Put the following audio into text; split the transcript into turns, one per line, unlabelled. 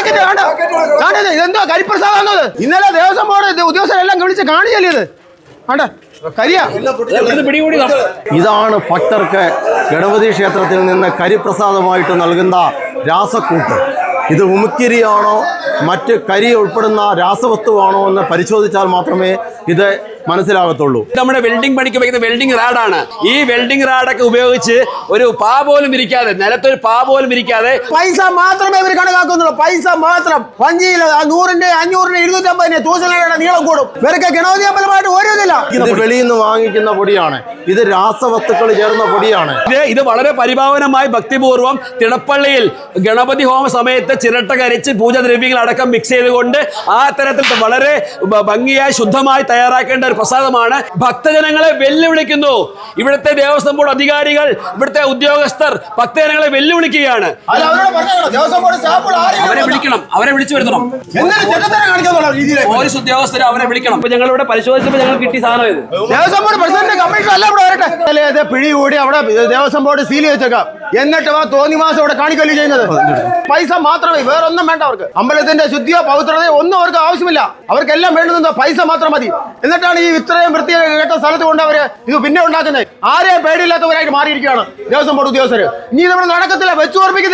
ഇതെന്തോ കരിപ്രസാദം ഇന്നലെ ദേവസ്വം ബോർഡ് ഉദ്യോഗസ്ഥരെല്ലാം വിളിച്ച് കാണിച്ചല്ലേ ഇത്
ഇതാണ് ഭക്തർക്ക് ഗണപതി ക്ഷേത്രത്തിൽ നിന്ന് കരിപ്രസാദമായിട്ട് നൽകുന്ന രാസക്കൂട്ട്. ഇത് ഉമിക്കരിയാണോ മറ്റ് കരി ഉൾപ്പെടുന്ന രാസവസ്തുവാണോ എന്ന് പരിശോധിച്ചാൽ മാത്രമേ ഇത് മനസ്സിലാകത്തുള്ളൂ.
നമ്മുടെ വെൽഡിംഗ് പണിക്ക് ഉപയോഗിക്കുന്ന വെൽഡിംഗ് റാഡാണ്. ഈ വെൽഡിംഗ് റാഡൊക്കെ ഉപയോഗിച്ച് ഒരു പാ പോലും ഇരിക്കാതെ, നിലത്തൊരു പാ പോലും ഇരിക്കാതെ
പൈസ മാത്രമേ ഇവർ കണക്കാക്കുന്നുള്ളൂ. പൈസ മാത്രം. വഞ്ചിയിൽ 100-ന്റെ 500-ന്റെ 250-ന്റെ 1000 നീളം കൂടും. ഇവർക്ക് ഗണപതി അമ്പലമായിട്ട് ഒരു ഇതില്ല.
ഇത് വെളിയിൽ നിന്ന് വാങ്ങിക്കുന്ന പൊടിയാണ്. ഇത് രാസവസ്തുക്കൾ ചേർന്ന പൊടിയാണ്.
ഇത് വളരെ പരിഭാവനമായി ഭക്തിപൂർവ്വം തിടപ്പള്ളിയിൽ ഗണപതി ഹോമ സമയത്ത് ചിരട്ട കരിച്ച് പൂജദ്രവ്യങ്ങൾ അടക്കം മിക്സ് ചെയ്തുകൊണ്ട് ആ തരത്തിൽ വളരെ ഭംഗിയായി ശുദ്ധമായി തയ്യാറാക്കേണ്ട ഒരു പ്രസാദമാണ്. ഭക്തജനങ്ങളെ വെല്ലുവിളിക്കുന്നു. ഇവിടുത്തെ ദേവസ്വം ബോർഡ് അധികാരികൾ, ഇവിടുത്തെ ഉദ്യോഗസ്ഥർ ഭക്തജനങ്ങളെ വെല്ലുവിളിക്കുകയാണ്. അവരെ വിളിക്കണം, അവരെ വിളിച്ചു വരുത്തണം. പോലീസ് ഉദ്യോഗസ്ഥരെ അവരെ വിളിക്കണം. ഇപ്പൊ ഞങ്ങൾ ഇവിടെ പരിശോധിച്ചപ്പോൾ ഞങ്ങൾ കിട്ടിയ സാധനം ഇത്
ദേവസ്വം ബോർഡ് പ്രസിഡന്റ് കമ്മീഷണർ അല്ല ഇവിടെ വരട്ടെ. പിടികൂടി അവിടെ ദേവസ്വം ബോർഡ് സീൽ വെച്ചേക്കാം. എന്നിട്ട് തോന്നി മാസം ഇവിടെ കാണിക്കല്ലേ ചെയ്യുന്നത്. പൈസ മാത്രമേ, വേറൊന്നും വേണ്ട അവർക്ക്. അമ്പലത്തിന്റെ ശുദ്ധിയോ പവിത്രതയോ ഒന്നും അവർക്ക് ആവശ്യമില്ല. അവർക്കെല്ലാം വേണ്ടുന്നത് പൈസ മാത്രം മതി. എന്നിട്ടാണ് ഈ ഇത്രയും വൃത്തികെട്ട സ്ഥലത്ത് കൊണ്ട് അവര് ഇത് പിന്നെ ഉണ്ടാക്കുന്നത്. ആരെയും പേടിയില്ലാത്തവരായിട്ട് മാറിയിരിക്കുകയാണ് ദേവസ്വം ബോർഡ് ഉദ്യോഗസ്ഥർ. ഇനി നമ്മൾ നടക്കത്തില്ല, വെച്ചു ഓർപ്പിക്കുന്നത്.